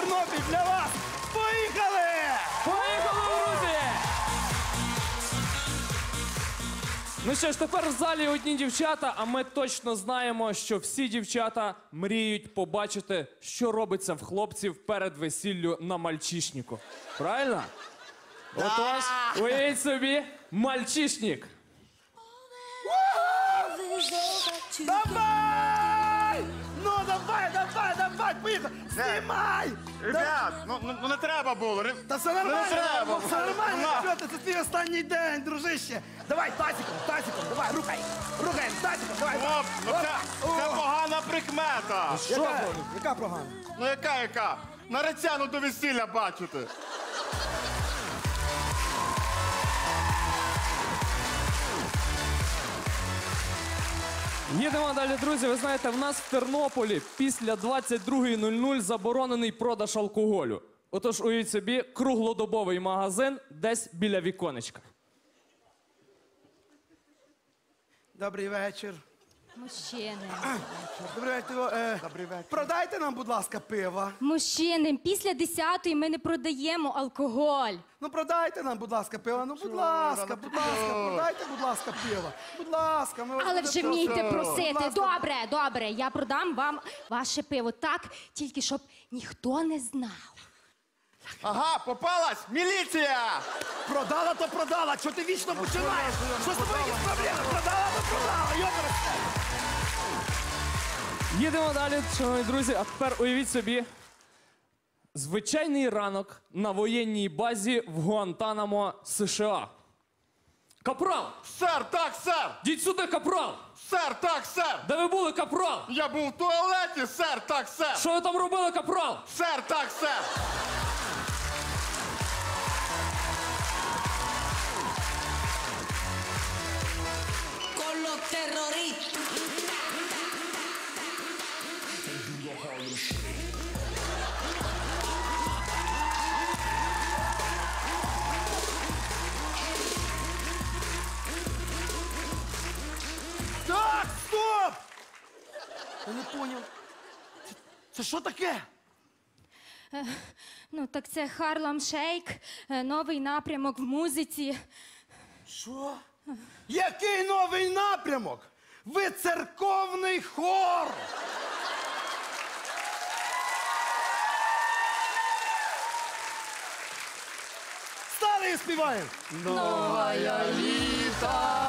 Тернопіль для вас. Поїхали! Поїхали, друзі! Ну що ж, тепер в залі одні дівчата, а ми точно знаємо, що всі дівчата мріють побачити, що робиться в хлопців перед весіллю на мальчишнику. Правильно? Отож, уявіть собі, мальчишник. Давай! Ну, давай, поїхали! Знімай! Ребят, ну не треба було. Та все нормально, Не треба. все нормально, що ти, це твій останній день, дружище. Давай, тазиком, давай, рухаємо, тазиком, давай. Оп, ну це погана прикмета. Яка програма? Ну яка? Наречену до весілля бачити. Їдемо далі, друзі. Ви знаєте, в нас в Тернополі після 22:00 заборонений продаж алкоголю. Отож, уявіть собі, круглодобовий магазин десь біля віконечка. Добрий вечір. Мужчини. Добрий вечір. Продайте нам, будь ласка, пиво. Мужчини, після 10-ї ми не продаємо алкоголь. Ну, продайте нам, будь ласка, пиво. Ну, будь ласка, продайте, будь ласка, пиво. Будь ласка. Ми вас Але дуже вже просимо. вмійте просити. Будь ласка. Добре, я продам вам ваше пиво. Так, тільки щоб ніхто не знав. Ага, попалась! Міліція! Продала, то продала. Чого ти вічно починаєш? Що з тобою якісь проблеми? Продала, то продала. Йопере. Їдемо далі, шановні друзі. А тепер уявіть собі, звичайний ранок на воєнній базі в Гуантанамо, США. Капрал! Сер, так, сер! Діть сюди, капрал! Сер, так, сер! Де ви були, капрал? Я був в туалеті, сер, так, сер! Що ви там робили, капрал? Сер, так, сер! Con los terroristas. Так, стоп! Я не поняв. Це що таке? Ну, так це Харлам Шейк, новий напрямок в музиці. Що? Який новий напрямок? Ви церковний хор! Стали і співаємо! Новая літа!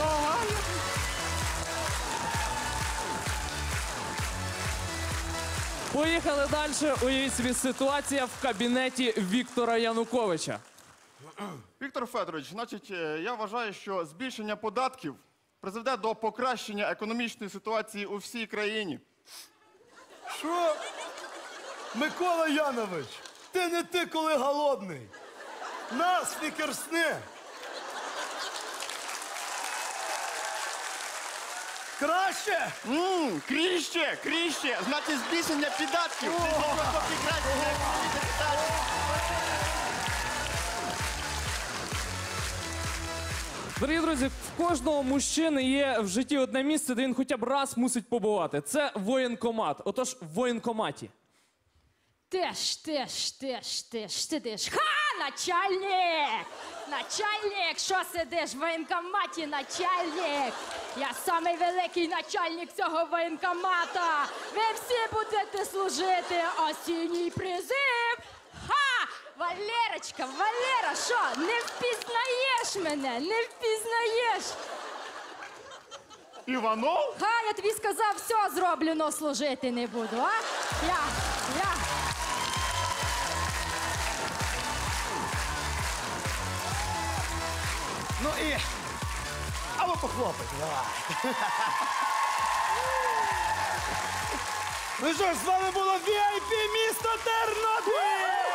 Поїхали далі. Уявіть собі, ситуація в кабінеті Віктора Януковича. Віктор Федорович, значить, я вважаю, що збільшення податків призведе до покращення економічної ситуації у всій країні. Що? Микола Янович, ти не ти, коли голодний. Нас не керсни. Краще? Кріще! Значить, збільшення податків. Це до покращення економічної ситуації. Дорогі друзі, в кожного мужчини є в житті одне місце, де він хоча б раз мусить побувати. Це воєнкомат. Отож, в воєнкоматі. Сидиш. Ха, начальник! Начальник, що сидиш в воєнкоматі, начальник? Я самий великий начальник цього воєнкомата. Ви всі будете служити осінній призив. Ха! Валерочка, Валера, що, не впізнаєш мене? Не впізнаєш? Іванов? Ха, я тобі сказав, все зроблю, но служити не буду, а? Я. Ну і... А ви похлопайте, давай. Ну що ж, з вами було VIP місто Тернопіль!